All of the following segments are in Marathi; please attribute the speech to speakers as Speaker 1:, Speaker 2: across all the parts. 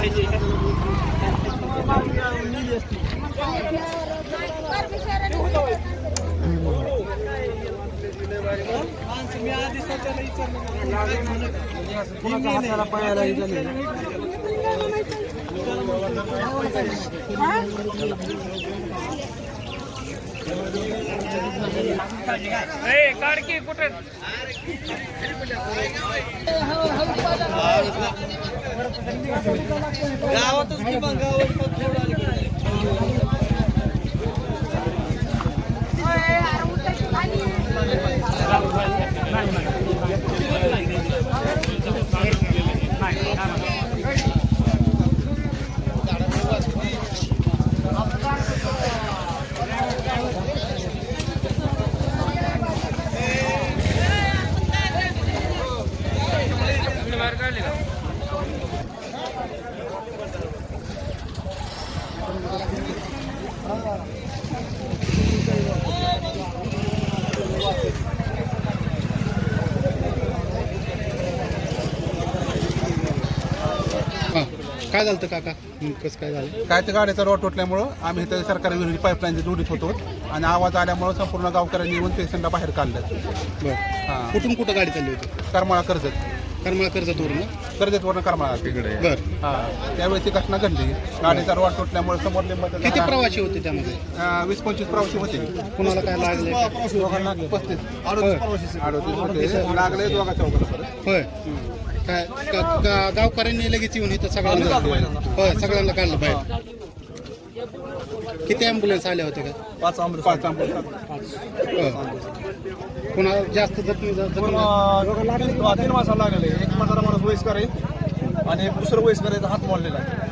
Speaker 1: काढकी कुठे गावातच की मग
Speaker 2: काय झालं काका कसं काय झालं?
Speaker 3: काय ते गाडीचा रोड तुटल्यामुळं आम्ही इथे सरकारी विहिरी पाईपलाईनची जोडीत होतो आणि आवाज आल्यामुळं संपूर्ण गावकऱ्यांनी येऊन पेशंटला बाहेर काढलं.
Speaker 2: बरं हां कुठून कुठं गाडी चालली होती?
Speaker 3: करमाळा कर्जत
Speaker 2: कर्जतवरून
Speaker 3: कर्जतवरून करमाळा तिकडे.
Speaker 2: बरं
Speaker 3: हां त्यावेळेस ती घटना घडली. गाडीचा रोड तुटल्यामुळे समोर
Speaker 2: किती प्रवासी होते त्यामध्ये?
Speaker 3: 20-25 प्रवासी होते.
Speaker 2: कुणाला काय लागले?
Speaker 3: 35 38 लागले दोघा चौघाला.
Speaker 2: होय काय गावकऱ्यांनी लगेच येऊन इथं सगळ्यांना होय सगळ्यांना काढलं बाहेर. किती ॲम्ब्युलन्स आल्या होत्या का?
Speaker 3: 5 ॲम्ब्युलन्स.
Speaker 2: कुणाला जास्त जखमी
Speaker 3: 3 माणसाला लागलेले. एक म्हातारा माणूस वयस्कर आहे आणि दुसरं वयस्कर आहे हात मोडलेला आहे.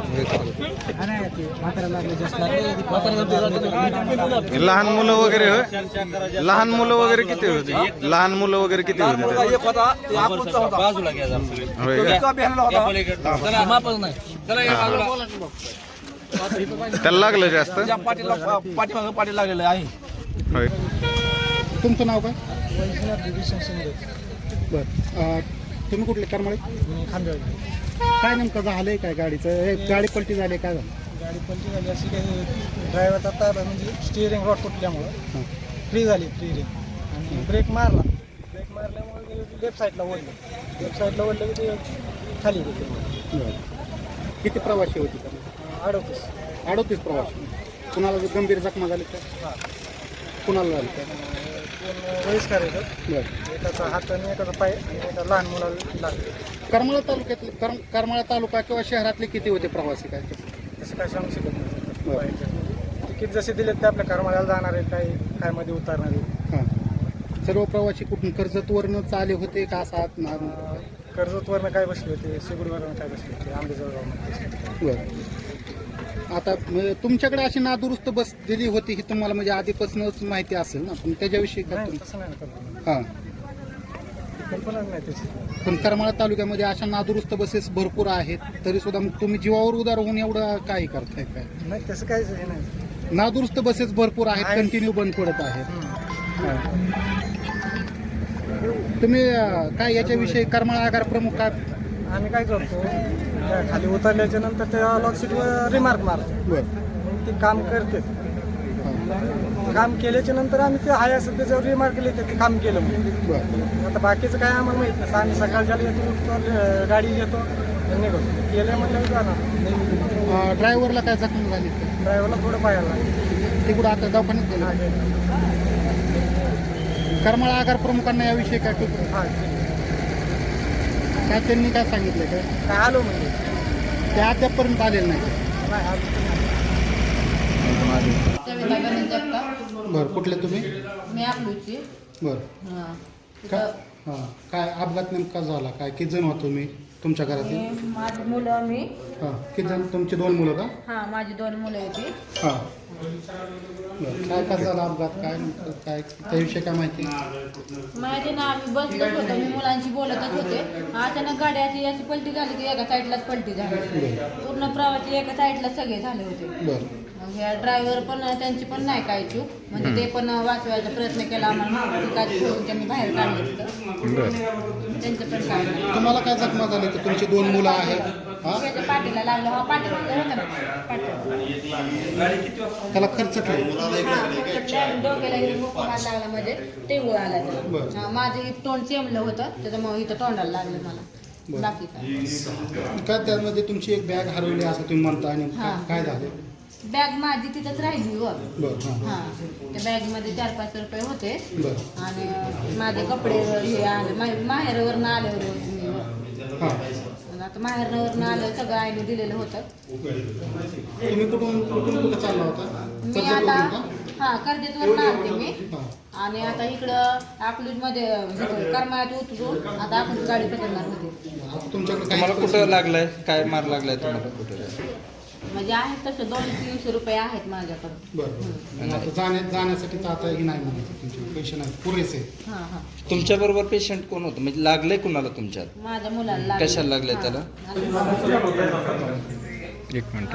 Speaker 4: लहान मुलं वगैरे होय? लहान मुलं वगैरे किती होती? लहान मुलं वगैरे किती होती?
Speaker 3: एक होता ते आपूचा होता.
Speaker 1: बाजूला घ्या जरा.
Speaker 4: होय का?
Speaker 3: बिहारला होता.
Speaker 1: चला मापच नाही. चला या बाजूला.
Speaker 4: त्याला लागलं जास्त?
Speaker 3: त्या पाठीमागं पाठी लागलेलं आहे.
Speaker 4: होय.
Speaker 2: तुमचं नाव काय? बरं तुम्ही कुठले करमाळे? काय नेमकं झालंय काय गाडीचं? गाडी पलटी झाली काय झालं?
Speaker 5: गाडी पलटी झाली अशी काही ड्रायव्हरचा ताबा म्हणजे स्टिअरिंग रॉड तुटल्यामुळं फ्री झाली आणि ब्रेक मारल्यामुळे लेफ्ट साईडला ओढलं की ते खाली गेले.
Speaker 2: किती प्रवासी होते? 38 प्रवासी. कुणाला गंभीर जखमा झाली का? कुणाला झाली का?
Speaker 5: वयस्कर येतात. एकाचा हात आणि एकाचा पाय आणि एका लहान मुलाला लागले.
Speaker 2: करमाळा तालुक्यातले करमाळा तालुका किंवा शहरातले किती होते प्रवासी काय?
Speaker 5: तसं काय सांगू शकत नाही. तिकीट जसे दिलेत ते आपल्या करमाळ्याला जाणार आहे काय मध्ये उतरणार आहे.
Speaker 2: हां सर्व प्रवासी कुठून कर्जतवरनं आले होते का? सात
Speaker 5: कर्जतवरनं काय बसले होते, सिगुडवरनं काय बसले होते, आंबेजोगावनं.
Speaker 2: बरं आता तुमच्याकडे अशी नादुरुस्त बस दिली होती ही तुम्हाला म्हणजे आधीपासूनच माहिती असेल ना, पण त्याच्याविषयी
Speaker 5: तसं नाही
Speaker 2: हां
Speaker 5: कल्पना नाही त्याची.
Speaker 2: पण करमाळा तालुक्यामध्ये अशा नादुरुस्त बसेस भरपूर आहेत तरी सुद्धा मग तुम्ही जीवावर उदार होऊन एवढं काय करताय काय?
Speaker 5: नाही तसं काहीच हे नाही.
Speaker 2: नादुरुस्त बसेस भरपूर आहेत, कंटिन्यू बंद पडत आहेत. तुम्ही काय याच्याविषयी करमाळा आगार प्रमुख काय?
Speaker 5: आम्ही काय करतो त्या खाली उतरल्याच्या नंतर त्या लॉकशीटवर रिमार्क मारतो. मग ते काम करते. काम केल्याच्या नंतर आम्ही ते आहे असं त्याच्यावर रिमार्क लिहिते ते काम केलं म्हणून. आता बाकीचं काय आम्हाला माहित नाही. आम्ही सकाळच्या येतो गाडी घेतो आणि करतो केलं म्हणलं जाणार.
Speaker 2: ड्रायव्हरला काय जखम झाली?
Speaker 5: ड्रायव्हरला थोडं पाहायला लागलं.
Speaker 2: ते कुठं आता दवाखान्यात गेलं? करमाळा आगार प्रमुखांना याविषयी काय काय त्यांनी काय सांगितलं
Speaker 5: काय आलो म्हणजे
Speaker 2: ते अद्यापपर्यंत आलेलं नाही. बरं कुठले तुम्ही?
Speaker 6: मी आपलूची.
Speaker 2: बरं काय अपघात नेमका झाला काय? किती जण होतो तुम्ही तुमच्या घरातील?
Speaker 6: माझी मुलं मी.
Speaker 2: हां किती जण? तुमची 2 मुलं का?
Speaker 6: हां माझी 2 मुलं होती.
Speaker 2: हां बरं काय झाला अपघात काय काय त्याविषयी काय माहिती?
Speaker 6: माझी ना आम्ही बसलोच होतो, मी मुलांशी बोलतच होते. अचानक गाड्याची याची पलटी झाली की एका साईडलाच पलटी झाली. पूर्ण प्रवासी एका साईडला सगळे झाले होते.
Speaker 2: बरं
Speaker 6: मग ह्या ड्रायव्हर पण त्यांची पण नाही काय चूक म्हणजे ते पण वाचवायचा प्रयत्न केला. आम्हाला ठिकाणी त्यांनी बाहेर काढले त्यांचं पण काय.
Speaker 2: तुम्हाला काय जखमा झाली? तर तुमची 2 मुलं आहेत
Speaker 6: त्याच्या पाठीला लागलं हा पाठीमागं होतं ना पाठीला.
Speaker 2: त्याला खर्च काय
Speaker 6: डोक्याला मुक्का मार लागला म्हणजे टेंगूळ आला त्याला. हा, माझं हे तोंड चेमलं होतं त्याच्यामुळे इथं तोंडाला लागलं मला. बाकी काय
Speaker 2: काय त्यामध्ये तुमची एक बॅग हरवली असं तुम्ही म्हणता आणि काय झालं?
Speaker 6: बॅग माझी तिथंच राहिली व
Speaker 2: बरं हां
Speaker 6: हां त्या बॅगमध्ये 4-5 रुपये होते
Speaker 2: बरं
Speaker 6: आणि माझे कपडे हे आले माहेरवरनं आल्यावर मी
Speaker 2: हां
Speaker 6: आणि आता माहेरवरनं आलं सगळं आईने दिलेलं होतं.
Speaker 2: तुम्ही कुठं चालला होता?
Speaker 6: मी आता हां कर्जतवरनं आलते मी आणि आता इकडं अकलूजमध्ये करमाळ्यात उतरून आता अकलूज गाडी पकडणार होते.
Speaker 2: तुमच्याकडे
Speaker 4: तुम्हाला कुठं लागलाय? काय मार लागलाय तुम्हाला कुठं?
Speaker 6: म्हणजे आहेत तसं 200-300 रुपये आहेत माझ्याकडे.
Speaker 2: बरं आता जाण्यासाठी तर आता हे नाही म्हणायचं तुमचे पैसे नाही पुरेसे.
Speaker 6: हां हां
Speaker 4: तुमच्या बरोबर पेशंट कोण होतं म्हणजे लागलंय कुणाला तुमच्यात?
Speaker 6: माझ्या मुलाला लागलं.
Speaker 4: कशाला लागलंय
Speaker 6: हां.
Speaker 4: त्याला?
Speaker 6: आणि
Speaker 4: एक मिनिट.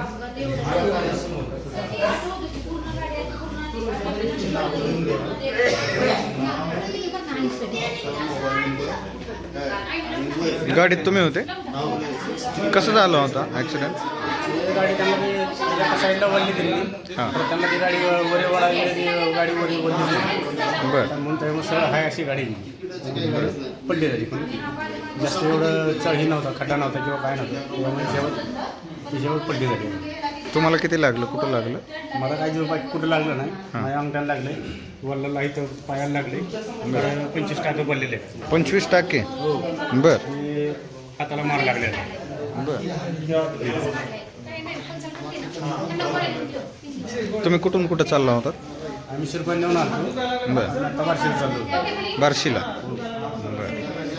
Speaker 4: गाडीत तुम्ही होते? कसं झालं होता ऍक्सिडेंट?
Speaker 5: गाडी त्यांना ती एका साईडला वळली दिली.
Speaker 4: हां
Speaker 5: त्यांना ती गाडी वरे वळाली गाडी वरी वळली दिली.
Speaker 4: बरं
Speaker 5: म्हणून त्यामुळे सरळ हाय अशी गाडी पडली झाली. पण जास्त एवढं चढही नव्हता खड्डा नव्हता किंवा काय नव्हतं त्यामुळे शेवट पडली झाली.
Speaker 4: तुम्हाला किती लागलं? कुठं लागलं?
Speaker 5: मला काही जीव बाकी कुठं लागलं नाही. माझ्या अंगठ्याला लागले वल्लाला इथं पायाला लागले 25 टाके पडलेले.
Speaker 4: 25 टाके? बर
Speaker 5: आणि हाताला मार लागलेला.
Speaker 4: बर. तुम्ही कुठून कुठं चालला होता?
Speaker 5: आम्ही शिरपण नेऊन आलो.
Speaker 4: बर.
Speaker 5: आता बारशीला चाललो.
Speaker 4: बार्शीला? बर.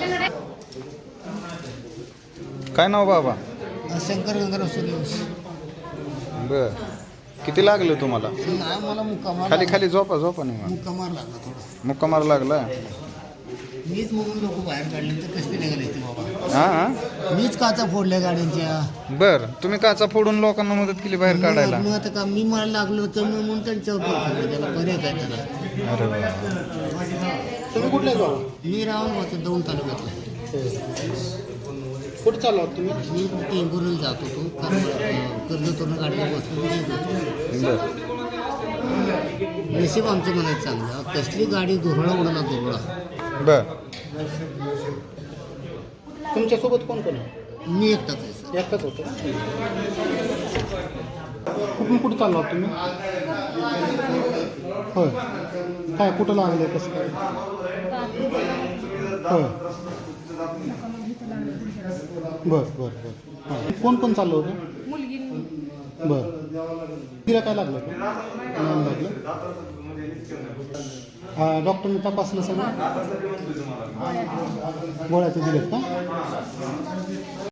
Speaker 4: काय नाव बाबा?
Speaker 7: शंकर गंगाराम सूर्यवंशी.
Speaker 4: बर. किती लागलं तुम्हाला?
Speaker 7: नाही मला मुक्कामार
Speaker 4: खाली खाली झोपा झोपा नाही मला.
Speaker 7: मुक्कामार लागला थोडा.
Speaker 4: मुक्का मार लागला?
Speaker 7: मीच म्हणून लोक बाहेर काढले तर कसं निघाले ते बाबा.
Speaker 4: हां
Speaker 7: मीच काचा फोडल्या गाड्यांच्या.
Speaker 4: बर. तुम्ही काचा फोडून लोकांना मदत केली बाहेर काढायला?
Speaker 7: मग आता का मी मला लागलो तर मग म्हणून त्यांच्यावर पडलं. त्याला पर्याय काय त्याला.
Speaker 4: अरे वा.
Speaker 2: तुम्ही कुठल्या जाऊ?
Speaker 7: मी राहून होतो 2 तालुक्यातला.
Speaker 2: कुठं चालला होता तुम्ही?
Speaker 7: मी टेंभुरीला जात होतो. कर्जतवरून गाडीला बसून येत होतो.
Speaker 4: बर.
Speaker 7: नशीब आमचं म्हणायचं चांगलं. कसली गाडी धुरळा उडाला धुरळा.
Speaker 4: बर.
Speaker 2: तुमच्यासोबत कोण कोण आहे?
Speaker 7: मी एकटाच आहे सर.
Speaker 2: एकटाच होतो. कुठून चालला होता तुम्ही? होय. काय कुठं लागलं कसं काय? होय. बरं बरं बरं हां. कोण कोण चाललं होतं?
Speaker 6: मुलगी
Speaker 2: बरं. तिला काय लागलं का? नाही लागलं. डॉक्टरने तपासलं सगळं? गोळ्या ते दिलेत का?